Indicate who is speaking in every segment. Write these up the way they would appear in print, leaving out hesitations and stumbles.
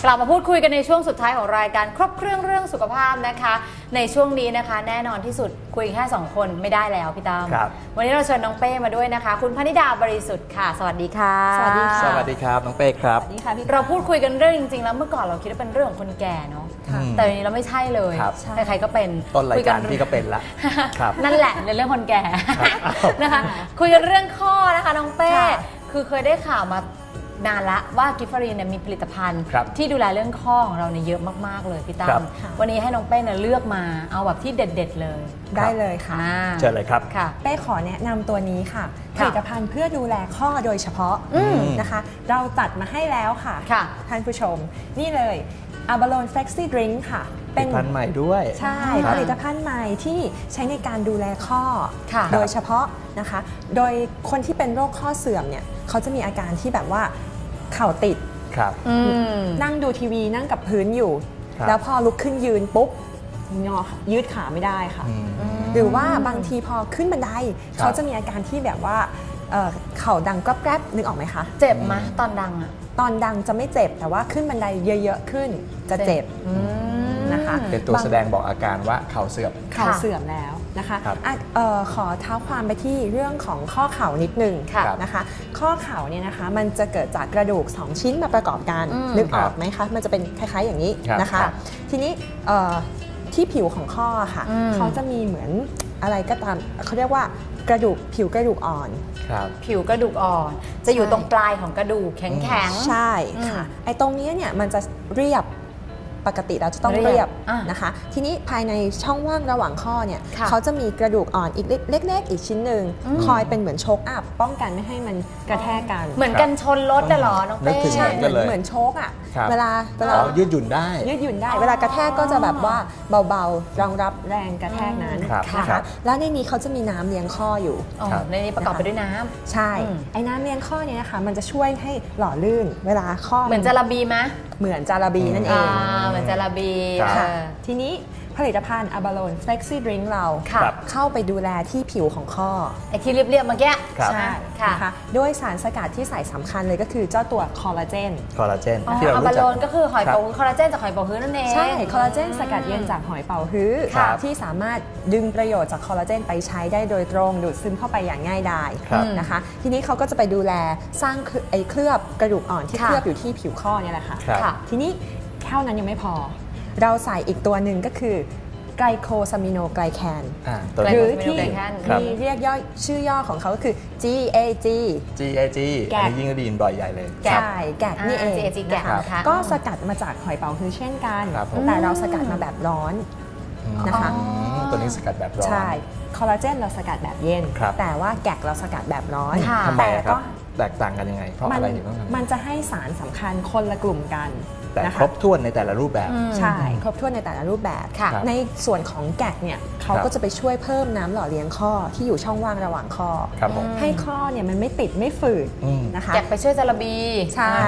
Speaker 1: ลับมาพูดคุยกันในช่วงสุดท้ายของรายการครบเครื่องสุขภาพนะคะในช่วงนี้นะคะแน่นอนที่สุดคุยแค่2คนไม่ได้แล้วพี่ตั้มวันนี้เราเชิญน้องเป้มาด้วยนะคะคุณพนิดาบริสุทธิ์ค่ะสวัสดีค่ะ
Speaker 2: สวัสดีค่ะ
Speaker 3: สวัสดีครับน้องเป้ครับ
Speaker 2: สวัสดีค่ะพี่
Speaker 1: เราพูดคุยกันเรื่องจริงๆแล้วเมื่อก่อนเราคิดว่าเป็นเรื่องของคนแก่เนาะแต่วันนี้เราไม่ใช่เลยใครๆก็เป็น
Speaker 3: ต้นรายการพี่ก็เป็นละ
Speaker 1: นั่นแหละในเรื่องคนแก่นะคะคุยกันเรื่องข้อนะคะน้องเป้คือเคยได้ข่าวมานานละว่ากิฟฟารีนเนี่ยมีผลิตภัณฑ์ที่ดูแลเรื่องข้อของเราเนี่ยเยอะมากๆเลยพี่ตั้มวันนี้ให้น้องเป้เนี่ยเลือกมาเอาแบบที่เด็ดๆเลย
Speaker 2: ได้เลยค่ะ
Speaker 3: เชิญเลยครับ
Speaker 2: เป้ขอแนะนำตัวนี้ค่ะผลิตภัณฑ์เพื่อดูแลข้อโดยเฉพาะนะคะเราจัดมาให้แล้วค่ะท่านผู้ชมนี่เลย Abalone Flexi Drink ค่ะ
Speaker 3: เป็นผลิตภัณฑ์ใหม่ด้วย
Speaker 2: ใช่ผลิตภัณฑ์ใหม่ที่ใช้ในการดูแลข้อโดยเฉพาะนะคะโดยคนที่เป็นโรคข้อเสื่อมเนี่ยเขาจะมีอาการที่แบบว่าเข่าติดนั่งดูทีวีนั่งกับพื้นอยู่แล้วพอลุกขึ้นยืนปุ๊บงอยืดขาไม่ได้ค่ะหรือว่าบางทีพอขึ้นบันไดเขาจะมีอาการที่แบบว่าเข่าดังกรอบแกรบนึกออกไหมคะ
Speaker 1: เจ็บไหมตอนดังอะ
Speaker 2: ตอนดังจะไม่เจ็บแต่ว่าขึ้นบันไดเยอะๆขึ้นจะเจ็บนะคะ
Speaker 3: เป็นตัวแสดงบอกอาการว่าเข่าเสื่อม
Speaker 2: แล้วนะคะขอเท้าความไปที่เรื่องของข้อเข่านิดนึงนะคะข้อเข่าเนี่ยนะคะมันจะเกิดจากกระดูก2ชิ้นมาประกอบกันนึกออกไหมคะมันจะเป็นคล้ายๆอย่างนี้นะคะทีนี้ที่ผิวของข้อค่ะเขาจะมีเหมือนอะไรก็ตามเขาเรียกว่ากระดูกผิวกระดูกอ่อน
Speaker 1: ผิวกระดูกอ่อนจะอยู่ตรงปลายของกระดูกแข็ง
Speaker 2: ๆใช่ค่ะไอ้ตรงนี้เนี่ยมันจะเรียบปกติเราจะต้องเรียบนะคะทีนี้ภายในช่องว่างระหว่างข้อเนี่ยเขาจะมีกระดูกอ่อนอีกเล็กๆอีกชิ้นหนึ่งคอยเป็นเหมือนโชคอัพป้องกันไม่ให้มันกระแทกกัน
Speaker 1: เหมือนกันชนรถเหรอน้องเป้
Speaker 2: ใช่เหมือนโชคอ่ะเวลา
Speaker 3: ยืดหยุ่นได้
Speaker 2: เวลากระแทกก็จะแบบว่าเบาๆรองรับแรงกระแทกนั้นนะคะแล้วในนี้เขาจะมีน้ำเลี้ยงข้ออยู่
Speaker 1: ในนี้ประกอบไปด้วยน้
Speaker 2: ำใช่ไอ้น้ำเลี้ยงข้อเนี่ยนะคะมันจะช่วยให้หล่อลื่นเวลาข้อ
Speaker 1: เหมือนจาระบีไหม
Speaker 2: เหมือนจาระบีนั่นเอง
Speaker 1: เหมือนจาระบี
Speaker 2: ทีนี้ผลิตภัณฑ์ Abalone Flexi Drink เราเข้าไปดูแลที่ผิวของข้อ
Speaker 1: ไอ้ที่เรียบๆเมื่อกี้
Speaker 2: ใช่ค่ะด้วยสารสกัดที่ใส่สำคัญเลยก็คือเจ้าตัวคอลลาเจน
Speaker 3: ที่เรารู้จัก
Speaker 1: Abaloneก็คือหอยเป๋าฮื้อคอลลาเจนจากหอยเป๋าฮื้อนั่นเอง
Speaker 2: ใช่คอลลาเจนสกัดเย็นจากหอยเป๋าฮื้อที่สามารถดึงประโยชน์จากคอลลาเจนไปใช้ได้โดยตรงดูดซึมเข้าไปอย่างง่ายดายนะคะทีนี้เขาก็จะไปดูแลสร้างไอ้เคลือบกระดูกอ่อนที่เคลือบอยู่ที่ผิวข้อเนี่ยแหละค่ะทีนี้เท่านั้นยังไม่พอเราใส่อีกตัวหนึ่งก็คือไกลโคซามิโนไกลแคนหรือที่มีเรียกย่อชื่อย่อของเขาก็คือ GAG
Speaker 3: อันนี้ยิ่งได้ยินบ่อยใหญ่เลย
Speaker 2: ใช่แกกนี่เองนะคะก็สกัดมาจากหอยเป๋าฮื้อเช่นกันแต่เราสกัดมาแบบร้อนนะคะ
Speaker 3: ตัวนี้สกัดแบบร้อน
Speaker 2: ใช่คอลลาเจนเราสกัดแบบเย็นแต่ว่าแกกเราสกัดแบบร้อน
Speaker 3: ทำไมครับแตกต่างกันยังไงเพราะอะไรถึงต้อง
Speaker 2: มันจะให้สารสำคัญคนละกลุ่มกัน
Speaker 3: แต่ครบถ้วนในแต่ละรูปแบบ
Speaker 2: ใช่ครบถ้วนในแต่ละรูปแบบในส่วนของแกกเนี่ยเขาก็จะไปช่วยเพิ่มน้ำหล่อเลี้ยงข้อที่อยู่ช่องว่างระหว่างข้อให้ข้อเนี่ยมันไม่ติดไม่ฝืดนะคะ
Speaker 1: แกกไปช่วยจาระบี
Speaker 2: ใช่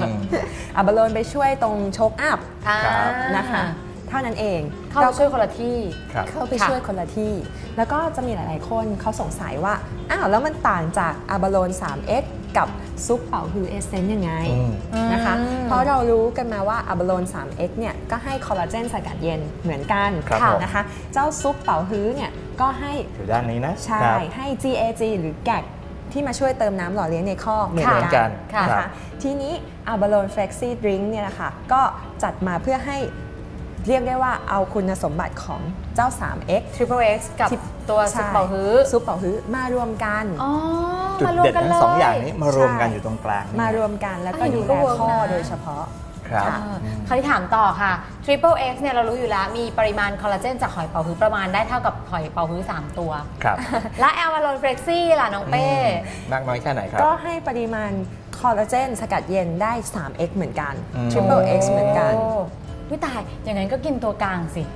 Speaker 2: Abaloneไปช่วยตรงโชคอัพนะคะเท่านั้นเอง
Speaker 1: เข้าไปช่วยคนละที่
Speaker 2: เข้าไปช่วยคนละที่แล้วก็จะมีหลายๆคนเขาสงสัยว่าอ้าวแล้วมันต่างจาก Abalone 3X กับซุปเป่าฮื้อเอเซนต์ยังไงนะคะเพราะเรารู้กันมาว่า Abalone 3X เนี่ยก็ให้คอลลาเจนสกัดเย็นเหมือนกันนะคะเจ้าซุปเป่าฮื้อเนี่ยก็ให้
Speaker 3: อยู่ด้านนี้นะ
Speaker 2: ใช่ให้ GAG หรือแกกที่มาช่วยเติมน้ำหล่อเลี้ยงในข้อเหมือนกันนะคะทีนี้ Abalone Flexi Drink เนี่ยนะคะก็จัดมาเพื่อให้เรียกได้ว่าเอาคุณสมบัติของเจ้า 3X
Speaker 1: Triple X กับตัวซุปเป่าฮื้
Speaker 2: อมารวมกัน
Speaker 3: จุดเด่นทั้งสองอย่างนี้มารวมกันอยู่ตรงกลาง
Speaker 2: มารวมกันแล้วก็ดูแลข้อโดยเฉพาะ
Speaker 3: ครับ
Speaker 1: คราวที่ถามต่อค่ะ Triple X เนี่ยเรารู้อยู่แล้วมีปริมาณคอลลาเจนจากหอยเป๋าฮื้อประมาณได้เท่ากับหอยเป๋าฮื้อ3ตัวและ Abalone Flexi ล่ะน้องเป้
Speaker 3: มากน้อยแค่ไหนครับ
Speaker 2: ก็ให้ปริมาณคอลลาเจนสกัดเย็นได้ 3X เหมือนกัน Triple X เหมือนกัน
Speaker 1: พี่ตายอย่างนั้นก็กินตัวกลางสิ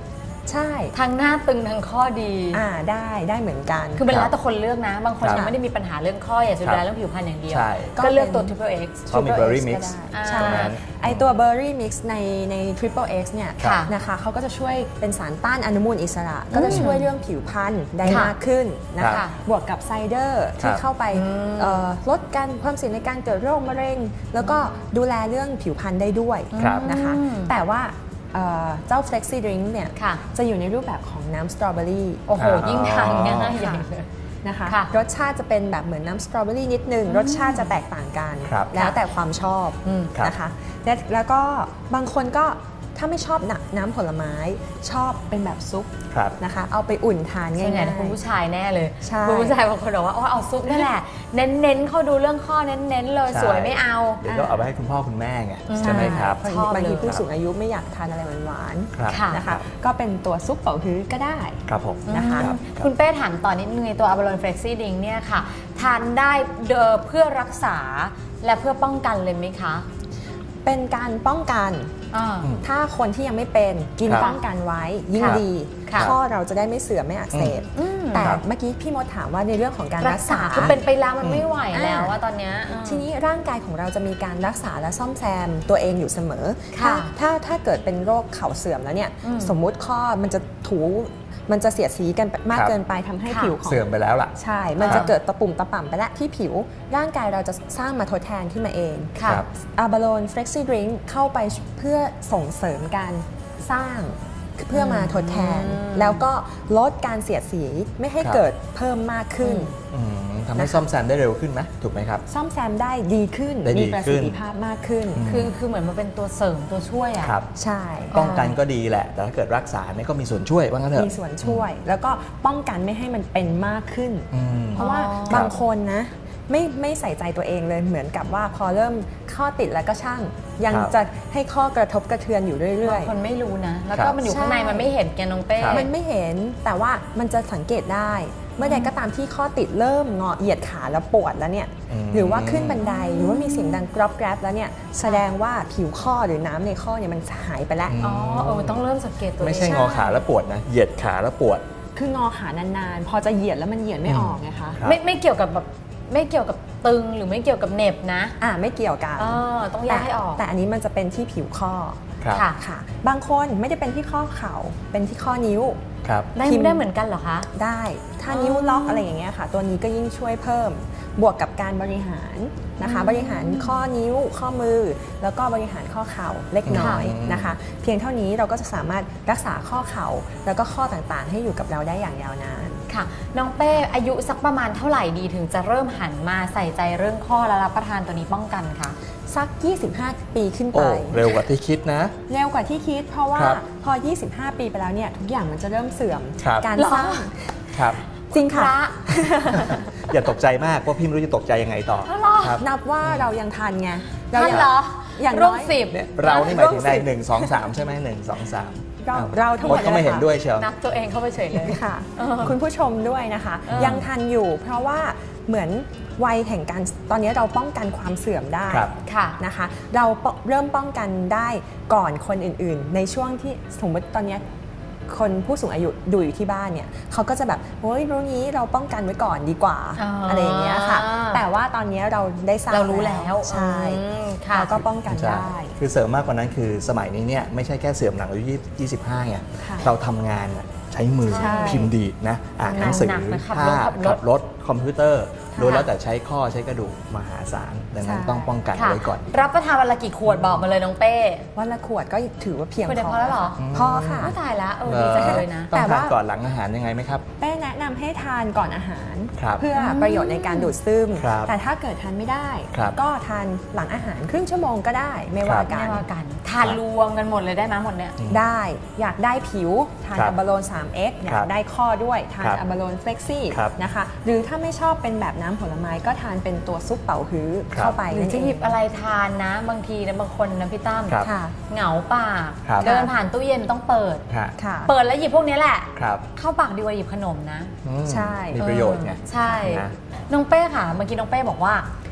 Speaker 2: ใช่
Speaker 1: ทั้งหน้าตึงทั้งข้อดี
Speaker 2: ได้เหมือนกัน
Speaker 1: คือเป็นแล้วแต่คนเลือกนะ บางคน
Speaker 3: ครับ
Speaker 1: ยังไม่ได้มีปัญหาเรื่องข้ออยากจะดูแลเรื่องผิวพรรณอย่างเดียว
Speaker 3: ใช่
Speaker 1: ก็เลือกตัว Triple X
Speaker 3: เขามี Berry Mix
Speaker 1: อ่า
Speaker 2: ใช่
Speaker 3: ตรงนั้น
Speaker 2: ไอตัว Berry Mix ใน Triple X เนี่ย
Speaker 1: ค่ะ
Speaker 2: นะคะเขาก็จะช่วยเป็นสารต้านอนุมูลอิสระ ก็จะช่วยเรื่องผิวพรรณได้
Speaker 1: ค่ะ
Speaker 2: มากขึ้นนะ
Speaker 3: ครั
Speaker 2: คะ
Speaker 3: บ
Speaker 2: บวกกับไซเดอร์ที่
Speaker 3: ครับ
Speaker 2: เข้าไปลดการความเสี่ยงในการเกิดโรคมะเร็ง แล้วก็ดูแลเรื่องผิวพรรณได้ด้วย
Speaker 3: ครับ
Speaker 2: นะคะ แต่ว่าเจ้า Flexi Drink เนี่ย
Speaker 1: ค่ะ
Speaker 2: จะอยู่ในรูปแบบของน้ำสตรอเบอรี่
Speaker 1: โอ้โห ยิ่งทานง่ายใหญ่เลย
Speaker 2: นะคะ
Speaker 1: ค่ะ
Speaker 2: รสชาติจะเป็นแบบเหมือนน้ำสตรอเบอรี่นิดนึง รสชาติจะแตกต่างกัน
Speaker 3: ครับ
Speaker 2: แล้วแต่ความชอบ
Speaker 3: ครับ
Speaker 2: นะคะแล้วก็บางคนก็ถ้าไม่ชอบน้ำผลไม้ชอบเป็นแบบซุป
Speaker 3: ครับ
Speaker 2: นะคะ เอาไปอุ่นทานง่า
Speaker 1: ส่วนใหญ่
Speaker 2: ย
Speaker 1: คุณผู้ชายแน่เลย
Speaker 2: ใช่
Speaker 1: คุณผู้ชายบางคนบอกว่าเอาซุปนั่นแหละ เน้นๆเขาดูเรื่องข้อเน้นๆเลย
Speaker 3: ใช่
Speaker 1: สวยไม่เอา
Speaker 3: เดี๋ยวก็เอาไปให้คุณพ่อคุณแม่ไง
Speaker 1: อืม
Speaker 3: ใช่ไหมครับ
Speaker 2: เพราะ
Speaker 1: ชอบ
Speaker 2: บางที
Speaker 1: เลย
Speaker 2: ผู้สูงอายุไม่อยากทานอะไรหวาน
Speaker 3: ครับ
Speaker 1: ค่ะ
Speaker 2: ๆนะคะ ก็เป็นตัวซุปเป่าฮื้อก็ได้
Speaker 3: ครับผม
Speaker 2: นะคะ
Speaker 3: รับ
Speaker 1: คุณเป้ถามต่อนิดนึงในตัว Abalone Flexi Drink เนี่ยค่ะ ทานได้เพื่อรักษาและเพื่อป้องกันเลยไหมคะ
Speaker 2: เป็นการป้องกัน
Speaker 1: อ่า
Speaker 2: ถ้าคนที่ยังไม่เป็นกิน
Speaker 3: ครับ
Speaker 2: ป้องกันไว้ยิ่ง
Speaker 3: ครับ
Speaker 2: ดี
Speaker 1: ค่ะ
Speaker 2: ข้อเราจะได้ไม่เสื่อมไม่อักเสบ
Speaker 1: อืม
Speaker 2: แต่
Speaker 3: ครับ
Speaker 2: เมื่อกี้พี่มดถามว่าในเรื่องของการ
Speaker 1: รั
Speaker 2: รั
Speaker 1: ก
Speaker 2: ก
Speaker 1: ษา
Speaker 2: ษา
Speaker 1: คือเป็นไปแล้วมันไม่ไหวแล้ว
Speaker 2: อ่า
Speaker 1: ว่าตอนเนี้ย
Speaker 2: ทีนี้ร่างกายของเราจะมีการรักษาและซ่อมแซมตัวเองอยู่เสมอ
Speaker 1: ค่ะ
Speaker 2: ถ้าเกิดเป็นโรคเข่าเสื่อมแล้วเนี่ย
Speaker 1: อืม
Speaker 2: สมมุติข้อมันจะมันจะเสียดสีกันมาก
Speaker 3: ครับ
Speaker 2: เกินไปทำให้
Speaker 1: ค่ะ
Speaker 2: ผิวของ
Speaker 3: เสื่อมไปแล้วล่ะ
Speaker 2: ใช่ มัน
Speaker 3: ครั
Speaker 2: จะ
Speaker 3: บ
Speaker 2: เกิดตะปุ่มตะป่ำไปแล้วที่ผิว ร่างกายเราจะสร้างมาทดแทนขึ้นมาเอง
Speaker 1: ค่ะ
Speaker 3: ครับ
Speaker 2: Abalone Flexi Drink เข้าไปเพื่อส่งเสริมการสร้างเพื่อมาทดแทน แล้วก็ลดการเสียดสีไม่ให้
Speaker 3: ครับ
Speaker 2: เกิดเพิ่มมากขึ้น
Speaker 3: อืมทำให้ซ่อมแซมได้เร็วขึ้นไหมถูกไหมครับ
Speaker 2: ซ่อมแซมได้ดีขึ้น
Speaker 3: ได้ดี
Speaker 2: มีประ
Speaker 3: ขึ้
Speaker 2: สิท
Speaker 3: น
Speaker 2: ธิภาพมากขึ้น
Speaker 1: คือเหมือนมันเป็นตัวเสริมตัวช่วยอ่ะ
Speaker 3: ครับ
Speaker 2: ใช่
Speaker 3: ป้องกันก็ดีแหละ แต่ถ้าเกิดรักษาเนี่ยก็มีส่วนช่วยว่างั้นเถอะ
Speaker 2: มีส่วนช่วย แล้วก็ป้องกันไม่ให้มันเป็นมากขึ้น
Speaker 3: อืม
Speaker 2: เพราะว่า
Speaker 1: อ๋อ
Speaker 2: บางคนนะไม่ใส่ใจตัวเองเลยเหมือนกับว่าพอเริ่มข้อติดแล้วก็ช่าง ยัง
Speaker 3: ครับ
Speaker 2: จะให้ข้อกระทบกระเทือนอยู่เรื่อย
Speaker 1: บางคนไม่รู้นะ แล้ว
Speaker 3: ครั
Speaker 1: ก็
Speaker 3: บ
Speaker 1: มันอยู่ข้างใน
Speaker 2: ใช่
Speaker 1: มันไม่เห็นแกน้องเป้
Speaker 3: ครับ
Speaker 2: ๆ มันไม่เห็นแต่ว่ามันจะสังเกตได้ เมื่อใดก็ตามที่ข้อติดเริ่มงอเหยียดขาแล้วปวดแล้วเนี่ย
Speaker 3: อืม
Speaker 2: หรือว่าขึ้นบันไดหรือว่ามีเสียงดังกรอบแกรบแล้วเนี่ยแสดงว่าผิวข้อหรือน้ำในข้อเนี่ยมันหายไปแล้ว
Speaker 1: อ๋อต้องเริ่มสังเกตตัวเอง
Speaker 3: ไม่ใช่งอขาแล้วปวดนะ เหยียดขาแล้วปวด
Speaker 2: คืองอขานานๆ พอจะเหยียดแล้วมันเหยียดไม่ออกไงคะ
Speaker 3: ครับ
Speaker 1: ไม่เกี่ยวกับแบบไม่เกี่ยวกับตึงหรือไม่เกี่ยวกับเหน็บนะ
Speaker 2: ไม่เกี่ยวกัน
Speaker 1: ต้องแยกให้ออก
Speaker 2: แต่อันนี้มันจะเป็นที่ผิวข้อ
Speaker 3: ครับ
Speaker 1: ค่ะ
Speaker 2: ค่ะ บางคนไม่ได้เป็นที่ข้อเข่าเป็นที่ข้อนิ้ว
Speaker 3: ครับ
Speaker 1: ได้
Speaker 2: พิมพ์
Speaker 1: ได้เหมือนกันเหรอคะ
Speaker 2: ได้ ถ้า
Speaker 1: อ๋อ
Speaker 2: นิ้วล็อกอะไรอย่างเงี้ยค่ะ ตัวนี้ก็ยิ่งช่วยเพิ่ม บวกกับการบริหารนะคะ บริหารข้อนิ้ว ข้อมือ แล้วก็บริหารข้อเข่าเล็กน้อยนะคะ เพียงเท่านี้เราก็จะสามารถรักษาข้อเข่าแล้วก็ข้อต่างๆ ให้อยู่กับเราได้อย่างยาวนาน
Speaker 1: ค่ะ น้องเป้อายุสักประมาณเท่าไหร่ดีถึงจะเริ่มหันมาใส่ใจเรื่องข้อและรับประทานตัวนี้ป้องกันคะ
Speaker 2: สัก 25 ปีขึ้นไป
Speaker 3: โอ้เร็วกว่าที่คิดนะ
Speaker 2: เร็วกว่าที่คิด เพราะว่า
Speaker 3: ครับ
Speaker 2: พอ 25 ปีไปแล้วเนี่ยทุกอย่างมันจะเริ่มเสื่อม
Speaker 3: ครับ
Speaker 2: การ
Speaker 1: เหรอ
Speaker 2: สร้าง
Speaker 3: ครับ
Speaker 2: จริง
Speaker 1: พ
Speaker 2: ค่ะ
Speaker 1: ระ
Speaker 3: อย่าตกใจมากเพราะพี่ไม่รู้จะตกใจยังไงต่อ
Speaker 1: อ๋อเหรอ
Speaker 3: ครับ
Speaker 2: นับว่าเรายังทันไง
Speaker 1: ท่าน
Speaker 2: ยัง
Speaker 1: เหรอ
Speaker 2: อย่าง
Speaker 1: ร่ว
Speaker 2: น้
Speaker 1: ม
Speaker 2: อย
Speaker 1: สิบ
Speaker 3: เนี่ยเรานี่หมายถึงใน
Speaker 2: ร่วมสิบ
Speaker 3: 1 2 3 ใช่ไหม1 2 3
Speaker 2: เราทั้งหมด
Speaker 3: เขาไม่เห็น
Speaker 2: เลยค่ะ
Speaker 3: ด้วยเชียว
Speaker 1: นับตัวเองเข้าไปเฉยเลย
Speaker 2: ค่ะ
Speaker 1: เออ
Speaker 2: คุณผู้ชมด้วยนะคะ
Speaker 1: เออ
Speaker 2: ยังทันอยู่ เพราะว่าเหมือนวัยแห่งการตอนนี้เราป้องกันความเสื่อมได้
Speaker 3: ครับ
Speaker 1: ค่ะ
Speaker 2: นะคะ เราเริ่มป้องกันได้ก่อนคนอื่นๆ ในช่วงที่สมมติตอนนี้คนผู้สูงอายุดูอยู่ที่บ้านเนี่ยเขาก็จะแบบเฮ้ยรู้นี้เราป้องกันไว้ก่อนดีกว่า
Speaker 1: อ๋ออ
Speaker 2: อะไรอย่างเงี้ยค่ะ แต่ว่าตอนนี้เราได้ทราบ
Speaker 1: เรารู้แล้ว
Speaker 2: ใช่
Speaker 1: ค่ะ
Speaker 2: เราก็ป้องกัน
Speaker 3: ใช่
Speaker 2: ได้
Speaker 3: คือเสริมมากกว่านั้นคือสมัยนี้เนี่ยไม่ใช่แค่เสื่อมหลังอายุ25ไง
Speaker 2: ค่ะ
Speaker 3: เราทำงานอะใช้มือ
Speaker 2: ใช่
Speaker 3: พิมพ์ดีดนะอ่านหนังสือ
Speaker 1: หนักๆนะขับ
Speaker 3: ภาพ
Speaker 1: รถ
Speaker 3: ขับรถคอมพิวเตอร์
Speaker 2: ค่ะ
Speaker 3: โดยแล้วแต่ใช้ข้อใช้กระดูกมหาศาลดังนั้น
Speaker 2: ใช่
Speaker 3: ต้องป้องกัน
Speaker 1: ค่ะ
Speaker 3: ไว้ก่อน
Speaker 1: รับประทานวันละกี่ขวดบอกมาเลยน้องเป้
Speaker 2: วันละขวดก็ถือว่าเพียง
Speaker 1: ขวดเดียวพอแล้วเหรอ
Speaker 2: พอค่ะ
Speaker 1: ไม่ตายแล้วดีจังเลยนะ
Speaker 3: ต้อง
Speaker 2: แต่
Speaker 3: ทาน
Speaker 2: ว่า
Speaker 3: ก่อนหลังอาหารยังไงไหมครับ
Speaker 2: เป้แนะนำให้ทานก่อนอาหาร
Speaker 3: ครับ
Speaker 2: เพื่อประโยชน์ในการดูดซึม
Speaker 3: ครับ
Speaker 2: แต่ถ้าเกิดทานไม่ได้
Speaker 3: ครับ
Speaker 2: ก็ทานหลังอาหารครึ่งชั่วโมงก็ได้ไม่ว่ากั
Speaker 1: ไม่
Speaker 2: น
Speaker 1: ว่ากันทานรวมกันหมดเลยได้ไหมหมดเนี่ย
Speaker 2: ได้อยากได้ผิวทาน
Speaker 3: ครับ
Speaker 2: อัลบาโลน 3x อยา
Speaker 3: ครั
Speaker 2: ก
Speaker 3: บ
Speaker 2: ได้ข้อด้วยทาน
Speaker 3: ครับ
Speaker 2: อัลบาโลนเฟล็กซี่
Speaker 3: ครับ
Speaker 2: นะคะหรือถ้าไม่ชอบเป็นแบบน้ำผลไม้ก็ทานเป็นตัวซุปเป๋าฮื้อ
Speaker 3: ครับ
Speaker 2: เข้าไป
Speaker 1: หรือ
Speaker 2: นั่น
Speaker 1: จะ
Speaker 2: เอ
Speaker 1: หยิ
Speaker 2: ง
Speaker 1: บอะไรทานนะ บางทีนะบางคนนะพี่ตั้ม
Speaker 3: ครับ
Speaker 2: ค่ะ
Speaker 1: เหงาปาก
Speaker 3: ครับ
Speaker 1: เดินผ่านตู้เย็นต้องเปิด
Speaker 3: ค่ะ
Speaker 2: ค่ะ
Speaker 1: เปิดแล้วหยิบพวกนี้แหละ
Speaker 3: ครับ
Speaker 1: เข้าปากดีกว่าหยิบขนมนะ
Speaker 3: อืม
Speaker 2: ใช่
Speaker 3: มีประโยชน์ไง
Speaker 1: ใช่
Speaker 3: นะ
Speaker 1: น้องเป้ค่ะเมื่อกี้น้องเป้บอกว่า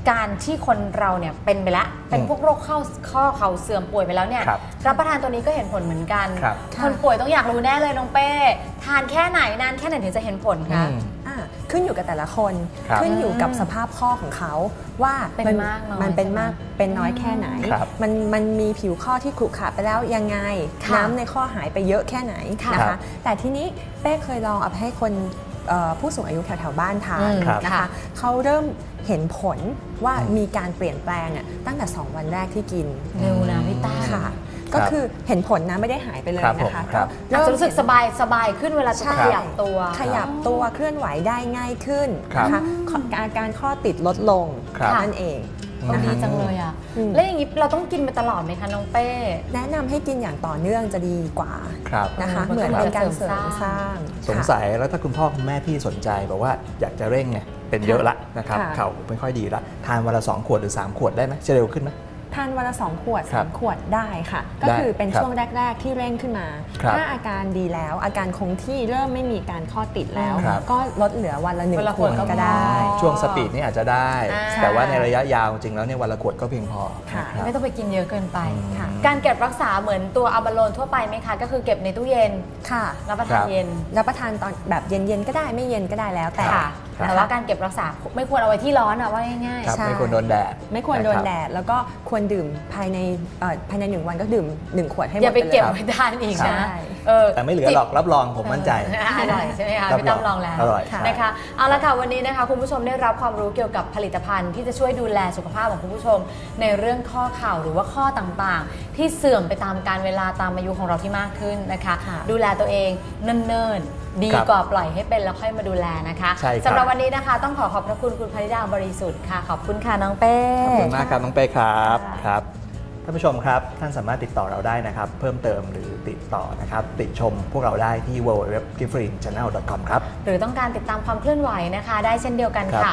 Speaker 1: การที่คนเราเนี่ยเป็นไปแล้วเป็นพวกโรคข้อเข่าเสื่อมป่วยไปแล้วเนี่ยรับประทานตัวนี้ก็เห็นผลเหมือนกันคนป่วยต้องอยากรู้แน่เลยน้องเป้ทานแค่ไหนนานแค่ไหนถึงจะเห็นผลคะ
Speaker 2: ขึ้นอยู่กับแต่ละคนขึ้นอยู่กับสภาพข้อของเขาว่ามันเป็นมากเป็นน้อยแค่ไหนมันมีผิวข้อที่ขรุขระไปแล้วยังไงน้ำในข้อหายไปเยอะแค่ไหนนะคะแต่ทีนี้เป้เคยลองเอาให้คนผู้สูงอายุแถวๆบ้านทานนะคะเขาเริ่มเห็นผลว่ามีการเปลี่ยนแปลงตั้งแต่2 วันแรกที่กิน
Speaker 1: เร็วนะพี่ต้า
Speaker 2: ค่ะก็คือเห็นผลนะไม่ได้หายไปเลยนะคะ
Speaker 1: ก็รู้สึกสบายขึ้นเวลาจะขยับตัว
Speaker 2: เคลื่อนไหวได้ง่ายขึ้นนะคะอาการข้อติดลดลงนั่นเอง
Speaker 1: ดีจังเลยอ่ะแล้วอย่างนี้เราต้องกินไปตลอดไหมคะน้องเป้
Speaker 2: แนะนำให้กินอย่างต่อเนื่องจะดีกว่านะคะเหมือนเป็นการเสริมสร้าง
Speaker 3: สงสัยแล้วถ้าคุณพ่อคุณแม่พี่สนใจบอกว่าอยากจะเร่งไงเป็นเยอะละนะครับเข่าไม่ค่อยดีละทานวันละ2 ขวดหรือ3 ขวดได้ไหมจะเร็วขึ้นไหม
Speaker 2: ทานวันละ2 ขวด3 ขวดได้ค่ะก็คือเป็นช่วงแรกๆที่เร่งขึ้นมาถ้าอาการดีแล้วอาการคงที่เริ่มไม่มีการข้อติดแล้วก็ลดเหลือวันละ1 ขวดก็ได้
Speaker 3: ช่วงสปีดนี่อาจจะได้แต่ว่าในระยะยาวจริงแล้วเนี่ยวันละขวดก็เพียงพอ
Speaker 1: ไม่ต้องไปกินเยอะเกินไปการเก็บรักษาเหมือนตัวอัลบาโลนทั่วไปไหมคะก็คือเก็บในตู้เย็น
Speaker 2: ค่ะ
Speaker 1: รับประทานเย็น
Speaker 2: รับประทานตอนแบบเย็นๆก็ได้ไม่เย็นก็ได้แล้ว
Speaker 1: แต่ว่าการเก็บรักษาไม่ควรเอาไว้ที่ร้อนว่าง่าย
Speaker 3: ๆไม่ควรโดนแดด
Speaker 2: ไม่ควรโดนแดดแล้วก็ควรดื่มภายใน1 วันก็ดื่ม1 ขวดให้หมด
Speaker 1: อย่าไปเก็บไว้ทานอีกนะ
Speaker 3: แต่ไม่เหลือหรอกรับรองผมมั่นใจ
Speaker 1: อร่อยใช่ไหมคะพี่ตั้มลองแล้วนะคะเอาละค่ะวันนี้นะคะคุณผู้ชมได้รับความรู้เกี่ยวกับผลิตภัณฑ์ที่จะช่วยดูแลสุขภาพของคุณผู้ชมในเรื่องข้อเข่าหรือว่าข้อต่างๆที่เสื่อมไปตามกาลเวลาตามอายุของเราที่มากขึ้นนะคะดูแลตัวเองเนิ่นๆดีกว่าปล่อยให้เป็นแล้วค่อยมาดูแลนะคะสำหรับวันนี้นะคะต้องขอบพระคุณคุณพนิดาบริสุทธิ์ค่ะขอบคุณค่ะน้องเป้
Speaker 3: ขอบคุณมากครับน้องเป้ครับท่านผู้ชมครับท่านสามารถติดต่อเราได้นะครับเพิ่มเติมหรือติดต่อนะครับติชมพวกเราได้ที่ www.gifferinchannel.com ครับ
Speaker 1: หรือต้องการติดตามความเคลื่อนไหวนะคะได้เช่นเดียวกันค่ะ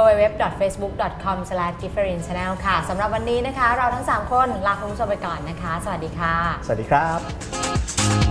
Speaker 1: www.facebook.com/gifferinchannel ค่ะสำหรับวันนี้นะคะเราทั้ง3คนลาคุณผู้ชมไปก่อนนะคะสวัสดีค่ะ
Speaker 3: สวัสดีครับ